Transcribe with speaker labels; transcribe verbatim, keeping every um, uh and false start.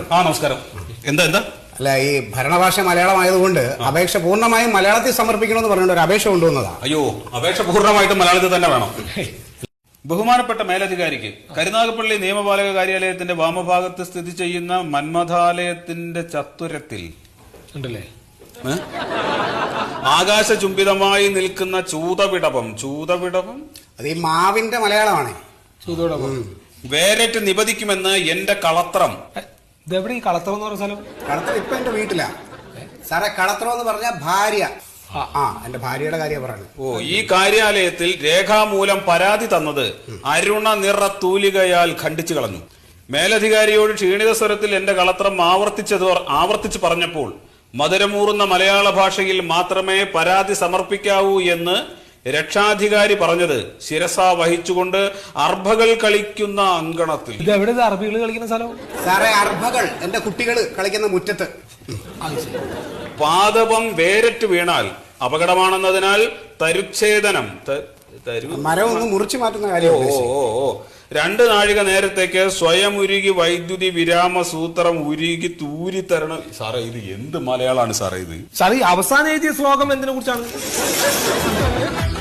Speaker 1: ആ നമസ്കാരം. എന്താ എന്താ
Speaker 2: അല്ല, ഈ ഭരണഭാഷ മലയാളമായതുകൊണ്ട് അപേക്ഷ പൂർണ്ണമായും മലയാളത്തിൽ സമർപ്പിക്കണമെന്ന് പറഞ്ഞുകൊണ്ട് ഒരു അപേക്ഷ കൊണ്ടുവന്നതാ.
Speaker 1: അയ്യോ, അപേക്ഷ പൂർണ്ണമായിട്ടും മലയാളത്തിൽ തന്നെ വേണം. ബഹുമാനപ്പെട്ട മേലധികാരിക്ക് കരുനാഗപ്പള്ളി നിയമപാലക കാര്യാലയത്തിന്റെ വാമഭാഗത്ത് സ്ഥിതി ചെയ്യുന്ന മന്മഥാലയത്തിന്റെ ചത്തുരത്തിൽ
Speaker 3: ഉണ്ടല്ലേ
Speaker 1: ആകാശചുംബിതമായി നിൽക്കുന്ന ചൂതവിടവം ചൂതവിടവം
Speaker 2: അത് ഈ മാവിന്റെ മലയാളമാണ്.
Speaker 3: ചൂതോടൊപ്പം
Speaker 1: വേരറ്റ് നിപതിക്കുമെന്ന് എന്റെ കളത്രം.
Speaker 3: ഇതെവിടെ ഈ കളത്രം എന്ന് പറഞ്ഞ സ്ഥലം?
Speaker 2: കളത്രം ഇപ്പൊ എന്റെ വീട്ടിലാ സാറേ. കളത്രം എന്ന് പറഞ്ഞ ഭാര്യ. ആ എന്റെ ഭാര്യയുടെ കാര്യം പറയുന്നത്.
Speaker 1: ഓ, ഈ കാര്യാലയത്തിൽ രേഖാമൂലം പരാതി തന്നത് അരുണ നിറ തൂലികയാൽ ഖണ്ഡിച്ചു കളഞ്ഞു. മേലധികാരിയോട് ക്ഷീണിത സ്വരത്തിൽ എന്റെ കളത്രം ആവർത്തിച്ചത് ആവർത്തിച്ച് പറഞ്ഞപ്പോൾ മധുരമൂറുന്ന മലയാള ഭാഷയിൽ മാത്രമേ പരാതി സമർപ്പിക്കാവൂ എന്ന് രക്ഷാധികാരി പറഞ്ഞത് ശിരസ വഹിച്ചുകൊണ്ട് അർഭകൾ കളിക്കുന്ന അങ്കണത്തിൽ.
Speaker 3: ഇതെവിടെ അറബികൾ കളിക്കുന്ന സ്ഥലം?
Speaker 2: സാറേ, അർഭകൾ എന്റെ കുട്ടികൾ കളിക്കുന്ന മുറ്റത്ത്.
Speaker 1: പാദപം വേരറ്റ് വീണാൽ അപകടമാണെന്നതിനാൽ തരുച്ഛേദനം
Speaker 2: മരം ഒന്ന് മുറിച്ചു മാറ്റുന്ന കാര്യം.
Speaker 1: ഓ ഓ ഓ രണ്ട് നാഴിക നേരത്തേക്ക് സ്വയം ഉരുകി വൈദ്യുതി വിരാമ സൂത്രം ഉരുകി തൂരി തരണം. സാറേ, ഇത് എന്ത് മലയാളമാണ് സാറേ ഇത്?
Speaker 3: സാറേ, അവസാനം എഴുതിയ ശ്ലോകം എന്തിനെ കുറിച്ചാണ്?